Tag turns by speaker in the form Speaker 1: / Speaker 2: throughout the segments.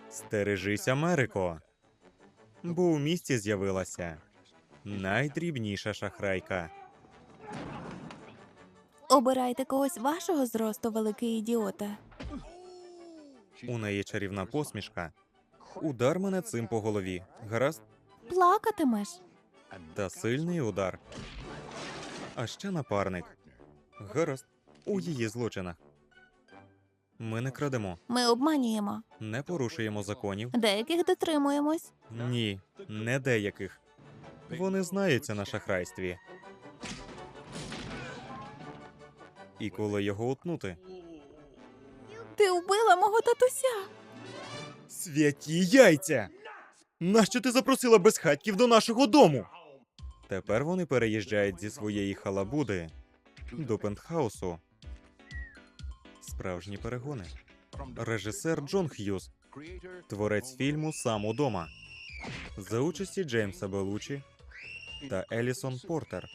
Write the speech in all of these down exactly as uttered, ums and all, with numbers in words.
Speaker 1: Стережись, Америко. Бо у місті з'явилася найдрібніша шахрайка.
Speaker 2: Обирайте когось вашого зросту, великий ідіота.
Speaker 1: У неї чарівна посмішка. Удар мене цим по голові. Гаразд?
Speaker 2: Плакатимеш.
Speaker 1: Та сильний удар. А ще напарник. Гаразд. У її злочинах. Ми не крадемо,
Speaker 2: Ми обманюємо.
Speaker 1: не порушуємо законів.
Speaker 2: Деяких дотримуємось.
Speaker 1: Ні, не деяких. Вони знаються на шахрайстві. І коли його утнути?
Speaker 2: Ти вбила мого татуся.
Speaker 1: Святі яйця! Нащо ти запросила безхатьків до нашого дому? Тепер вони переїжджають зі своєї халабуди до пентхаусу. Справжні перегони. Режисер Джон Х'юз. Творець фільму «Сам удома». За участі Джеймса Белучі та Елісон Портер.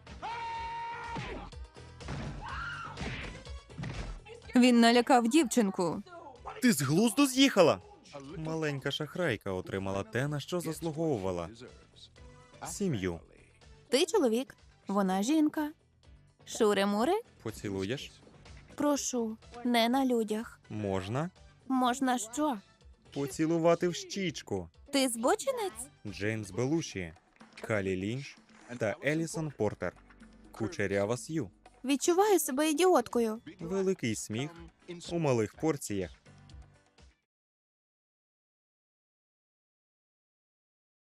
Speaker 2: Він налякав дівчинку.
Speaker 1: Ти з глузду з'їхала? Маленька шахрайка отримала те, на що заслуговувала. Сім'ю.
Speaker 2: Ти чоловік, вона жінка. Шури-мури?
Speaker 1: Поцілуєш?
Speaker 2: Прошу, не на людях.
Speaker 1: Можна?
Speaker 2: Можна що?
Speaker 1: Поцілувати в щічку.
Speaker 2: Ти збочинець?
Speaker 1: Джеймс Белуші, Калі Лінч та Елісон Портер. Кучерява Сью.
Speaker 2: Відчуваю себе ідіоткою.
Speaker 1: Великий сміх у малих порціях.